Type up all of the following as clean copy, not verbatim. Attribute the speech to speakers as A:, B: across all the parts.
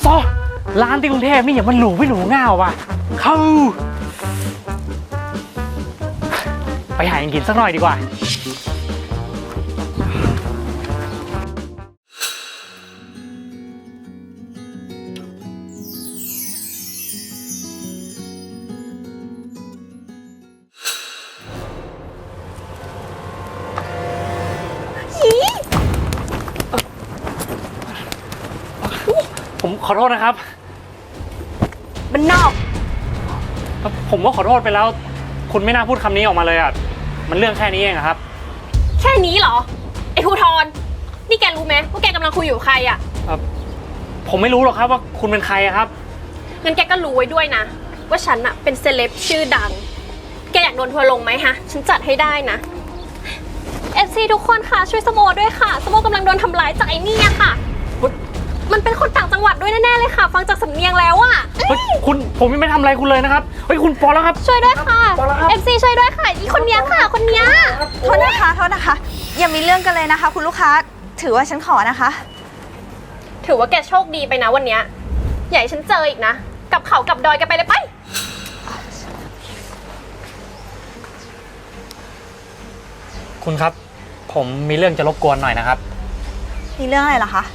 A: ซอร้านที่กรุงเทพนี่อย่ามันหรูไม่หรูง่าวว่ะเข้าไปหาอย่างกินสักหน่อยดีกว่าผมขอโทษนะครับ
B: มันนอก
A: ผมก็ขอโทษไปแล้ว คุณไม่น่าพูดคำนี้ออกมาเลยอ่ะมันเรื่องแค่นี้เองครับ
B: แค่นี้เหรอไอ้ภูทรนี่แกรู้ไหมว่าแกกำลังคุยอยู่ใครอ่ะ
A: ผมไม่รู้หรอกครับว่าคุณเป็นใครครับ
B: งั้นแกก็รู้ไว้ด้วยนะว่าฉันอะเป็นเซเลบชื่อดังแกอยากโดนทัวร์ลงไหมฮะฉันจัดให้ได้นะ FC ทุกคนค่ะช่วยสโมด้วยค่ะสโมกำลังโดนทำร้ายจากไอ้นี่ค่ะมันเป็นคนต่างจังหวัดด้วยแน่ๆเลยค่ะฟังจากสำเนียงแล้วอะ
A: ผมยังไม่ทำอะไรคุณเลยนะครับเฮ้ยคุณพอแล้วครับ
B: ช่วยด้วยค่ะ FC ช่วยด้วยค่ะอีคนนี้ค่ะคนนี้
C: โทษนะคะอย่ามีเรื่องกันเลยนะคะคุณลูกค้าถือว่าฉันขอนะคะ
B: ถือว่าแกโชคดีไปนะวันนี้อย่าให้ฉันเจออีกนะกับเขากับดอยกันไปเลยไป
A: คุณครับผมมีเรื่องจะรบกวนหน่อยนะครับ
C: มีเรื่องอะไรเหรอคะ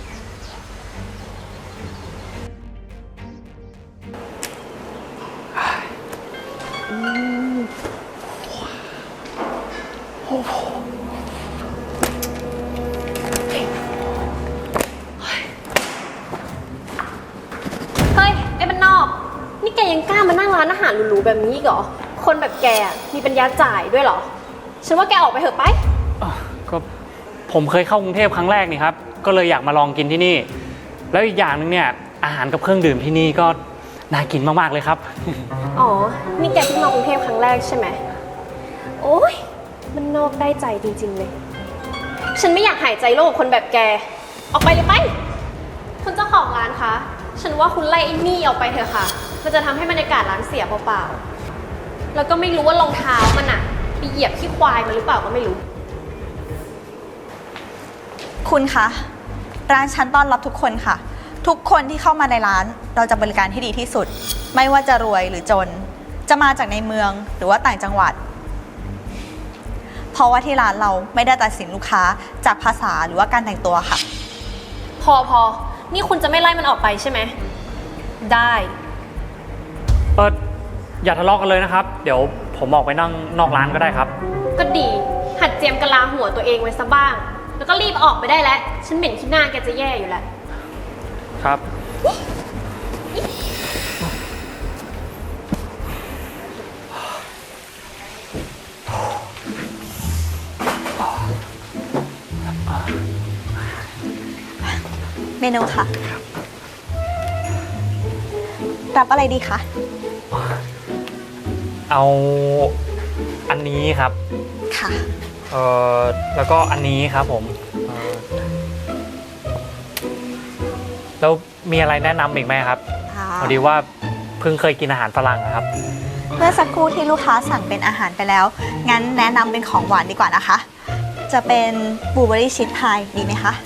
B: เฮ้ยไอ้บ้านนอกนี่แกยังกล้ามานั่งร้านอาหารหรูๆแบบนี้อีกเหรอคนแบบแกมีปัญญาจ่ายด้วยเหรอฉันว่าแกออกไปเถอะไป
A: ก็ผมเคยเข้ากรุงเทพครั้งแรกนี่ครับก็เลยอยากมาลองกินที่นี่แล้วอีกอย่างหนึ่งเนี่ยอาหารกับเครื่องดื่มที่นี่ก็น่ากินมากๆเลยครับ
B: อ๋อนี่แกเพิ่งมากรุงเทพครั้งแรกใช่ไหมโอ๊ยมันนอกได้ใจจริงๆเลยฉันไม่อยากหายใจโลกคนแบบแกออกไปเลยไปคุณเจ้าของร้านคะฉันว่าคุณไล่ไอ้นี่ออกไปเถอะค่ะมันจะทำให้บรรยากาศร้านเสียเปล่าๆแล้วก็ไม่รู้ว่ารองเท้ามันอะไปเหยียบขี้ควายมาหรือเปล่าก็ไม่รู้
C: คุณคะร้านฉันต้อนรับทุกคนค่ะทุกคนที่เข้ามาในร้านเราจะบริการที่ดีที่สุดไม่ว่าจะรวยหรือจนจะมาจากในเมืองหรือว่าต่างจังหวัดเพราะว่าที่ร้านเราไม่ได้ตัดสินลูกค้าจากภาษาหรือว่าการแต่งตัวค่ะ
B: พอนี่คุณจะไม่ไล่มันออกไปใช่ไหมได้
A: อย่าทะเลาะกันเลยนะครับเดี๋ยวผมออกไปนั่งนอกร้านก็ได้ครับ
B: ก็ดีหัดเจียมกะลาหัวตัวเองไว้ซะบ้างแล้วก็รีบออกไปได้แล้วฉันเหม็นขี้หน้าแกจะแย่อยู่แล้ว
A: ครับ
C: เมนูค่ะรับอะไรดีคะ
A: เอาอันนี้ครับ
C: ค่ะ
A: แล้วก็อันนี้ครับผมแล้วมีอะไรแนะนำอีกไหมครับพอดีว่าเพิ่งเคยกินอาหารฝรั่งครับ
C: เมื่อสักครู่ที่ลูกค้าสั่งเป็นอาหารไปแล้วงั้นแนะนำเป็นของหวานดีกว่านะคะจะเป็นบลูเบอรี่ชีสพายดีไหมคะ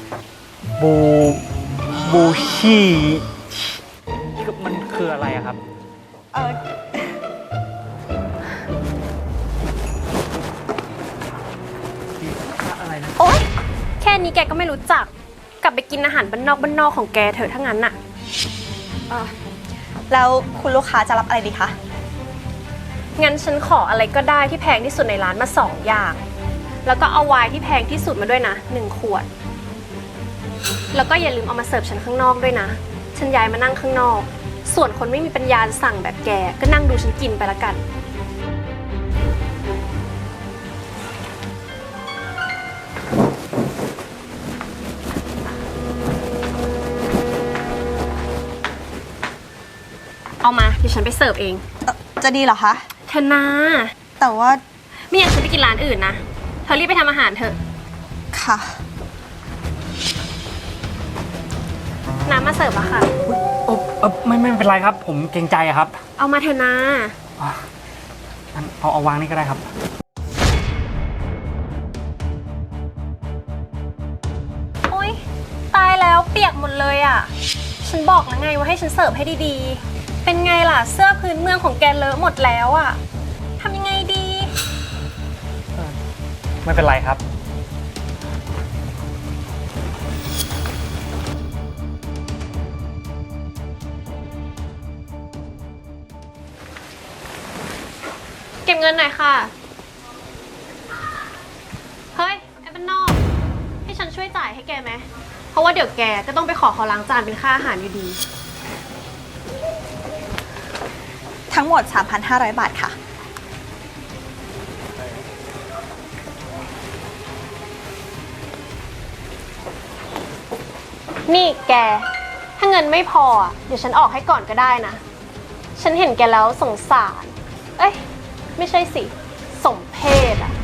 A: บูชี่มันคืออะไรอะครับอะไรนะ
B: โอ๊ยแค่นี้แกก็ไม่รู้จักกลับไปกินอาหารบ้านนอกของแกเถอะถ้างั้นน่ะ
C: แล้วคุณลูกค้าจะรับอะไรดีคะ
B: งั้นฉันขออะไรก็ได้ที่แพงที่สุดในร้านมา2 อย่างแล้วก็เอาไวน์ที่แพงที่สุดมาด้วยนะ1 ขวดแล้วก็อย่าลืมเอามาเสิร์ฟฉันข้างนอกด้วยนะฉันย้ายมานั่งข้างนอกส่วนคนไม่มีปัญญาสั่งแบบแกก็นั่งดูฉันกินไปละกันเอามาเดี๋ยวฉันไปเสิร์ฟเอง
C: จะดีเหรอคะ
B: เธอนา
C: แต่ว่า
B: ไม่อยากฉันไปกินร้านอื่นนะเธอรีบไปทำอาหารเถอะ
C: ค่ะ
B: น้ำมาเสิร์ฟอะค่ะ
A: ไม่เป็นไรครับผมเกรงใจครับ
B: เอามาเถอะนะ
A: เอาวางนี่ก็ได้ครับ
B: โอ๊ยตายแล้วเปียกหมดเลยอะฉันฉันบอกแล้วไงว่าให้ฉันเสิร์ฟให้ดีๆ เป็นไงล่ะเสื้อพื้นเมืองของแกเลอะหมดแล้วอะทำยังไงดี
A: ไม่เป็นไรครับ
B: เก็บเงินหน่อยค่ะ เฮ้ย ไอ้บ้านนอก ให้ฉันช่วยจ่ายให้แกไหม เพราะว่าเดี๋ยวแกก็ต้องไปขอเขาล้างจานเป็นค่าอาหารอยู่ดี
C: ทั้งหมด 3,500 บาทค่ะ
B: นี่แก ถ้าเงินไม่พออะเดี๋ยวฉันออกให้ก่อนก็ได้นะ ฉันเห็นแกแล้วสงสาร เอ้ย ไม่ใช่สิ สมเพชอะ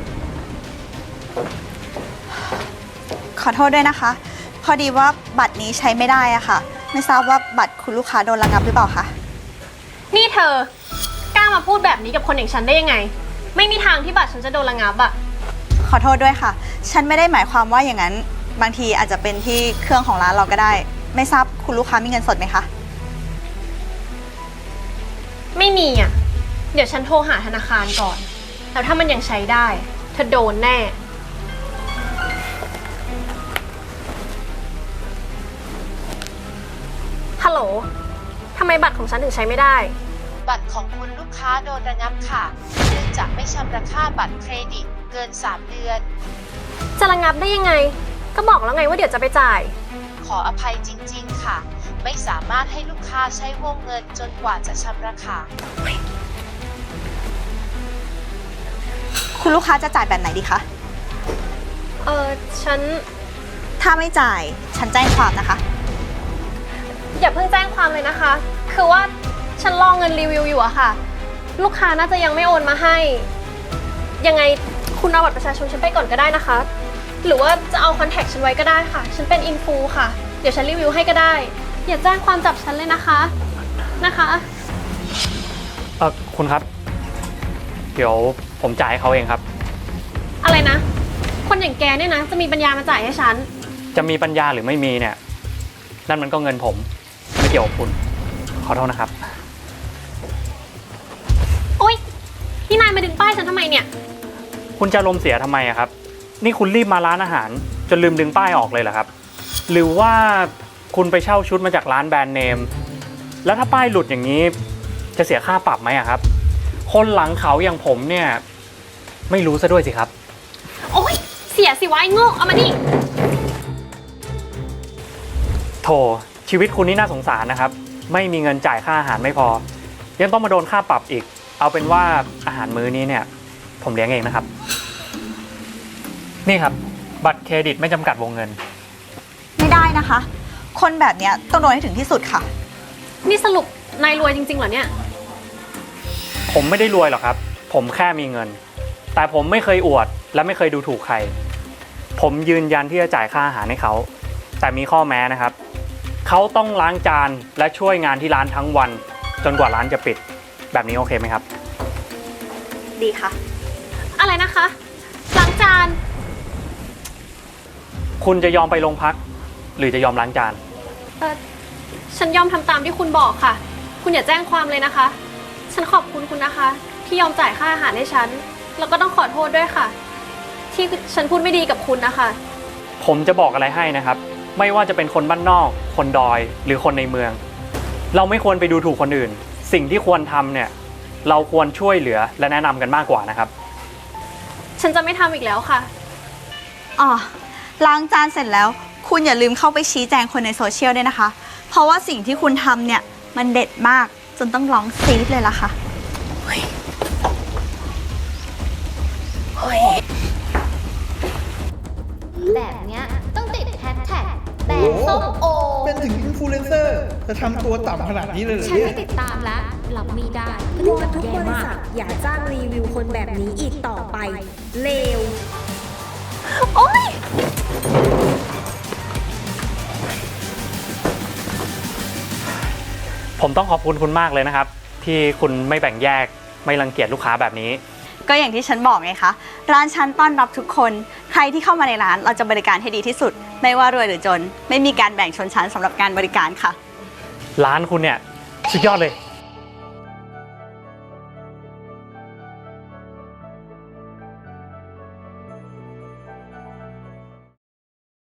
C: ขอโทษด้วยนะคะ พอดีว่าบัตรนี้ใช้ไม่ได้อะค่ะ ไม่ทราบว่าบัตรคุณลูกค้าโดนระงับหรือเปล่าคะ
B: นี่เธอกล้ามาพูดแบบนี้กับคนอย่างฉันได้ยังไง ไม่มีทางที่บัตรฉันจะโดนระงับอะ
C: ขอโทษด้วยค่ะ ฉันไม่ได้หมายความว่าอย่างนั้น บางทีอาจจะเป็นที่เครื่องของร้านเราก็ได้ ไม่ทราบคุณลูกค้ามีเงินสดไหมคะ
B: ไม่มีอะเดี๋ยวฉันโทรหาธนาคารก่อน แล้วถ้ามันยังใช้ได้ เธอโดนแน่ ฮัลโหล ทำไมบัตรของฉันถึงใช้ไม่ได้
D: บัตรของคุณลูกค้าโดนระงับค่ะ เนื่องจากไม่ชำระค่าบัตรเครดิตเกิน 3 เดือน
B: จะระงับได้ยังไง ก็บอกแล้วไงว่าเดี๋ยวจะไปจ่าย
D: ขออภัยจริงๆค่ะ ไม่สามารถให้ลูกค้าใช้วงเงินจนกว่าจะชำระค่ะ
C: คุณลูกค้าจะจ่ายแบบไหนดีคะ
B: ฉัน
C: ถ้าไม่จ่าย ฉันแจ้งความนะคะ
B: อย่าเพิ่งแจ้งความเลยนะคะ คือว่าฉันรอเงินรีวิวอยู่อะค่ะ ลูกค้าน่าจะยังไม่โอนมาให้ ยังไงคุณเอาบัตรประชาชนฉันไปก่อนก็ได้นะคะ หรือว่าจะเอาคอนแทคฉันไว้ก็ได้ค่ะ ฉันเป็นอินฟูค่ะ เดี๋ยวฉันรีวิวให้ก็ได้ อย่าแจ้งความจับฉันเลยนะคะ นะคะ
A: คุณครับ เดี๋ยวผมจ่ายให้เขาเองครับ
B: อะไรนะ คนอย่างแกเนี่ยนะ จะมีปัญญามาจ่ายให้ฉัน
A: จะมีปัญญาหรือไม่มีเนี่ย นั่นมันก็เงินผม ไม่เกี่ยวกับคุณ ขอโทษนะครับ
B: โอ๊ยนี่นายมาดึงป้ายฉันทำไมเนี่ย
A: คุณจะลมณ์เสียทำไมอะครับ นี่คุณรีบมาร้านอาหาร จนลืมดึงป้ายออกเลยเหรอครับ หรือว่าคุณไปเช่าชุดมาจากร้านแบรนด์เนม แล้วถ้าป้ายหลุดอย่างนี้จะเสียค่าปรับไหมอะครับ คนหลังเขาอย่างผมเนี่ยไม่รู้ซะด้วยสิครับ
B: โอ๊ยเสียสิวะไอ้โง่เอามานี่
A: โถชีวิตคุณนี่น่าสงสารนะครับ ไม่มีเงินจ่ายค่าอาหารไม่พอ ยังต้องมาโดนค่าปรับอีก เอาเป็นว่าอาหารมื้อนี้เนี่ยผมเลี้ยงเองนะครับ นี่ครับบัตรเครดิตไม่จำกัดวงเงิน
C: ไม่ได้นะคะ คนแบบเนี้ยต้องโดนให้ถึงที่สุดค่ะ
B: นี่สรุปนายรวยจริงๆเหรอเนี่ย
A: ผมไม่ได้รวยหรอกครับ ผมแค่มีเงิน แต่ผมไม่เคยอวดและไม่เคยดูถูกใคร ผมยืนยันที่จะจ่ายค่าอาหารให้เขา แต่มีข้อแม้นะครับ เขาต้องล้างจานและช่วยงานที่ร้านทั้งวัน จนกว่าร้านจะปิด แบบนี้โอเคไหมครับ
C: ดีค่ะ
B: อะไรนะคะล้างจาน
A: คุณจะยอมไปโรงพัก หรือจะยอมล้างจาน
B: ฉันยอมทำตามที่คุณบอกค่ะ คุณอย่าแจ้งความเลยนะคะ ฉันขอบคุณคุณนะคะ ที่ยอมจ่ายค่าอาหารให้ฉัน แล้วก็ต้องขอโทษด้วยค่ะ ที่ฉันพูดไม่ดีกับคุณนะคะ
A: ผมจะบอกอะไรให้นะครับ ไม่ว่าจะเป็นคนบ้านนอก คนดอย หรือคนในเมือง เราไม่ควรไปดูถูกคนอื่น สิ่งที่ควรทำเนี่ย เราควรช่วยเหลือและแนะนำกันมากกว่านะครับ
B: ฉันจะไม่ทำอีกแล้วค่ะ
C: อ๋อ ล้างจานเสร็จแล้ว คุณอย่าลืมเข้าไปชี้แจงคนในโซเชียลด้วยนะคะ เพราะว่าสิ่งที่คุณทำเนี่ยมันเด็ดมากจนต้องร้องซีดเลยล่ะค่ะ
E: แบบเนี้ยต้องติดแฮชแท็กแบรนด์ส้มโอ
F: เป็นถึงอินฟลูเอนเซอร์จะทำตัวต่ำขนาดนี้เลยเหรอ
E: ฉัน
F: เนี่
E: ไม่
F: ย
E: ติดตามแล้วรับไม่ได้พฤ
G: ว
E: ติ
G: อก
E: รรม
G: ทุก
E: แย่
G: บริ
E: มา
G: ษั
E: ก
G: ทอย่าจ้างรีวิวคนแบบนี้อีกต่อไป เลว
B: โอ๊ย
A: ผมต้องขอบคุณคุณมากเลยนะครับ ที่คุณไม่แบ่งแยกไม่รังเกียจลูกค้าแบบนี้
C: ก็อย่างที่ฉันบอกไงคะ ร้านฉันต้อนรับทุกคน ใครที่เข้ามาในร้านเราจะบริการให้ดีที่สุด ไม่ว่ารวยหรือจน ไม่มีการแบ่งชนชั้นสำหรับการบริการค่ะ
A: ร้านคุณเนี่ยสุดยอดเลย